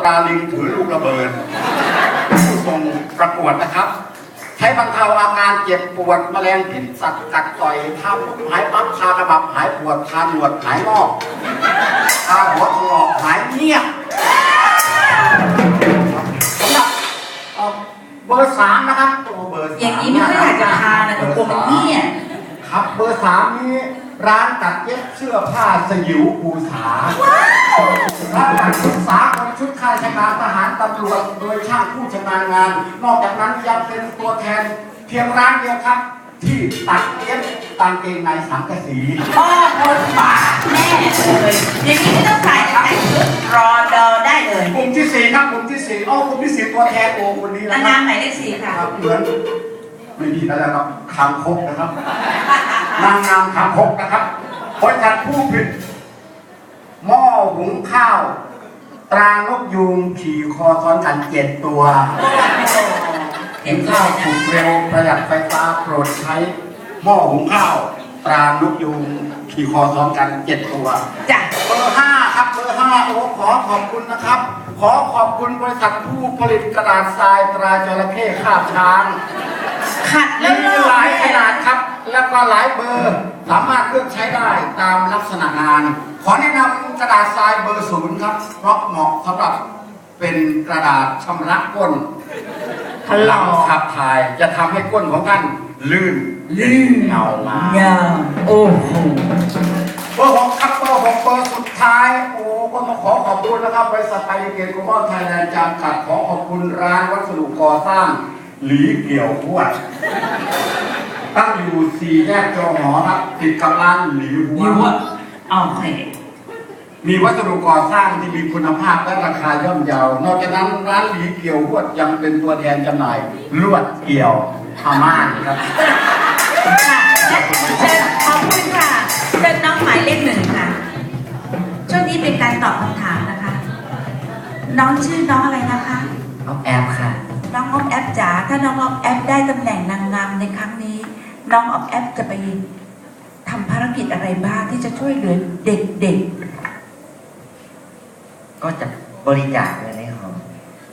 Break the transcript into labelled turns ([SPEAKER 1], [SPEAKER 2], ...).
[SPEAKER 1] ดาลิงถือลูกระเบิดผู้ทรงประกวดนะครับใช้บรรเทาอาการเจ็บปวดแมลงพิษสัตว์กัดต่อยทำหายปั๊บคากระบับหายปวดคาหนวดหายงอกคาหัวถลอกหายเงียบสำหรับเบอร์3นะครับตัวเบอร์3
[SPEAKER 2] อย่างนี้ไม่ค่อยอยากจะทานนะแต่กลัวมันเงียบ
[SPEAKER 1] ครับเบอร์3นี้ร้านตัดเย็บเสื้อผ้าสยิวภูษาร้านตัดชุดสากลชุดข้าราชการทหารตำรวจโดยช่างผู้ชำนาญงานนอกจากนั้นยังเป็นตัวแทนเพียงร้านเดียวครับที่ตัดเย็บกางเกงในสังกะสี
[SPEAKER 2] พ่อคนบาแน่เลยอย่างนี้ไม่ต้องใส่แต่งชุดรอเดอได้เลย
[SPEAKER 1] กลุ่มที่4ครับกลุ่มที่4กลุ่มที่4ตัวแทนโอคนนี้นะครับ
[SPEAKER 2] นางหมายเลข4ค่ะ
[SPEAKER 1] เหมือนไม่ดีแล้วครับคางคกนะครับนางงามคางคกนะครับบริษัทผู้ผลิตหม้อหุงข้าวตรานกยูงขี่คอซ้อนกัน7ตัวเห็นข้าวสุกเร็วประหยัดไฟฟ้าโปรดใช้หม้อหุงข้าวตรานกยูงขี่คอซ้อนกัน7ตัว
[SPEAKER 2] จ้ะ
[SPEAKER 1] เบอร์5ครับเบอร์5ขอขอบคุณนะครับขอขอบคุณบริษัทผู้ผลิตกระดาษทรายตราจระเข้คาบช้าง
[SPEAKER 2] ขัดแล้ว
[SPEAKER 1] มีหลายขนาดครับแล้วก็หลายเบอร์สามารถเลือกใช้ได้ตามลักษณะงานขอแนะนำกระดาษทรายเบอร์0ครับเพราะเหมาะสำหรับเป็นกระดาษชำระก้นหลังขับถ่ายจะทำให้ก้นของท่านลื่นเอามา
[SPEAKER 2] โอ้โห
[SPEAKER 1] เบอร์6ครับเบอร์6เบอร์สุดท้ายโอ้ก็มาขอขอบคุณนะครับบริษัทไทยเกียรติกรมไทยแลนด์จำกัดขอขอบคุณร้านวัสดุก่อสร้างหลีเกี่ยวพวดตั้งอยู่4 แยกจอหอครับติดกับร้านหลีหัว
[SPEAKER 2] โอเค
[SPEAKER 1] มีวัสดุก่อสร้างที่มีคุณภาพและราคาย่อมเยา นอกจากนั้นร้านหลีเกี่ยวพวดยังเป็นตัวแทนจำหน่ายลวดเกี่ยวผ้าม่านครับ
[SPEAKER 2] ค่ะเชิญขอบคุณค่ะเชิญน้องหมายเลข1ค่ะช่วงนี้เป็นการตอบคำถามนะคะน้องชื่อน้องอะไรนะคะ
[SPEAKER 3] น้องแอมค่ะ
[SPEAKER 2] น้องออฟแอฟจ๋าถ้าน้องออฟแอฟได้ตำแหน่งนางงามในครั้งนี้น้องออฟแอฟจะไปทำภารกิจอะไรบ้างที่จะช่วยเหลือเด็ก
[SPEAKER 3] ๆก็จะบริจาคเงินให้เขา